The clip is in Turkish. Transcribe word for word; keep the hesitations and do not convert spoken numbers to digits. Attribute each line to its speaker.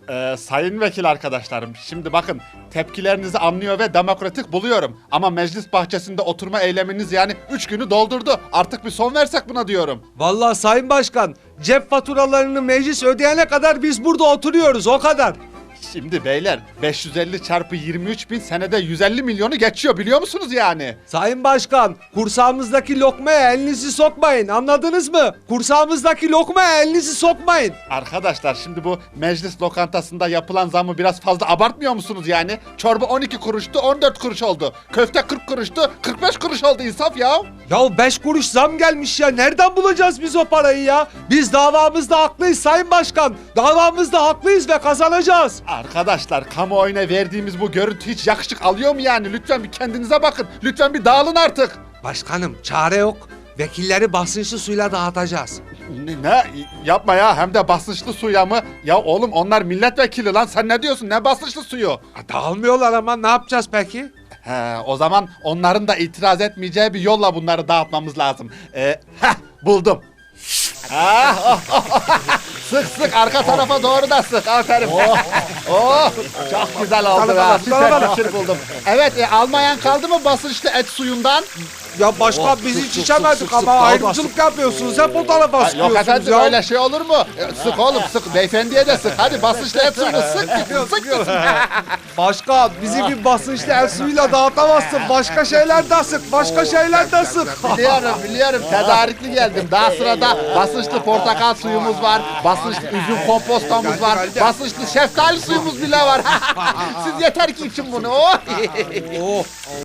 Speaker 1: Ee, sayın vekil arkadaşlarım, şimdi bakın tepkilerinizi anlıyor ve demokratik buluyorum. Ama meclis bahçesinde oturma eyleminiz yani üç günü doldurdu. Artık bir son versek buna diyorum.
Speaker 2: Vallahi Sayın Başkan, cep faturalarını meclis ödeyene kadar biz burada oturuyoruz, o kadar.
Speaker 1: Şimdi beyler beş yüz elli çarpı yirmi üç bin senede yüz elli milyonu geçiyor biliyor musunuz yani?
Speaker 2: Sayın Başkan, kursağımızdaki lokmaya elinizi sokmayın, anladınız mı? Kursağımızdaki lokmaya elinizi sokmayın.
Speaker 1: Arkadaşlar şimdi bu meclis lokantasında yapılan zammı biraz fazla abartmıyor musunuz yani? Çorba on iki kuruştu on dört kuruş oldu. Köfte kırk kuruştu kırk beş kuruş oldu, insaf ya.
Speaker 2: Ya beş kuruş zam gelmiş ya, nereden bulacağız biz o parayı ya? Biz davamızda haklıyız Sayın Başkan, davamızda haklıyız ve kazanacağız.
Speaker 1: Arkadaşlar kamuoyuna verdiğimiz bu görüntü hiç yakışık alıyor mu yani? Lütfen bir kendinize bakın. Lütfen bir dağılın artık.
Speaker 2: Başkanım, çare yok. Vekilleri basınçlı suyla dağıtacağız.
Speaker 1: Ne, ne? Yapma ya, hem de basınçlı suya mı? Ya oğlum onlar milletvekili lan, sen ne diyorsun? Ne basınçlı suyu?
Speaker 2: Ha, dağılmıyorlar ama ne yapacağız peki?
Speaker 1: He, o zaman onların da itiraz etmeyeceği bir yolla bunları dağıtmamız lazım. Ee, heh, buldum. Ah, oh, oh, oh. Sık sık arka tarafa doğru da sık. Aferin. Oh, çok güzel oldu ya. Süper fikir buldum. Evet, e, almayan kaldı mı basınçlı et suyundan?
Speaker 2: Ya başkan, biz hiç içemedik ama ayrımcılık yapıyorsunuz. Hep o tarafa
Speaker 1: Ay, yok
Speaker 2: sıkıyorsunuz
Speaker 1: efendim,
Speaker 2: ya.
Speaker 1: öyle şey olur mu? E, sık oğlum sık, beyefendiye de sık. Hadi basınçlı et suyunu sık gitsin, sık gitsin.
Speaker 2: Başkan, bizi bir basınçlı el suyuyla dağıtamazsın. Başka şeyler de sık, başka şeyler de sık.
Speaker 1: Biliyorum biliyorum, tedarikli geldim. Daha sırada basınçlı portakal suyumuz var. Basınçlı üzüm kompostomuz var. Basınçlı şeftali suyumuz bile var. Siz yeter ki için bunu. Oh.
Speaker 2: Oh.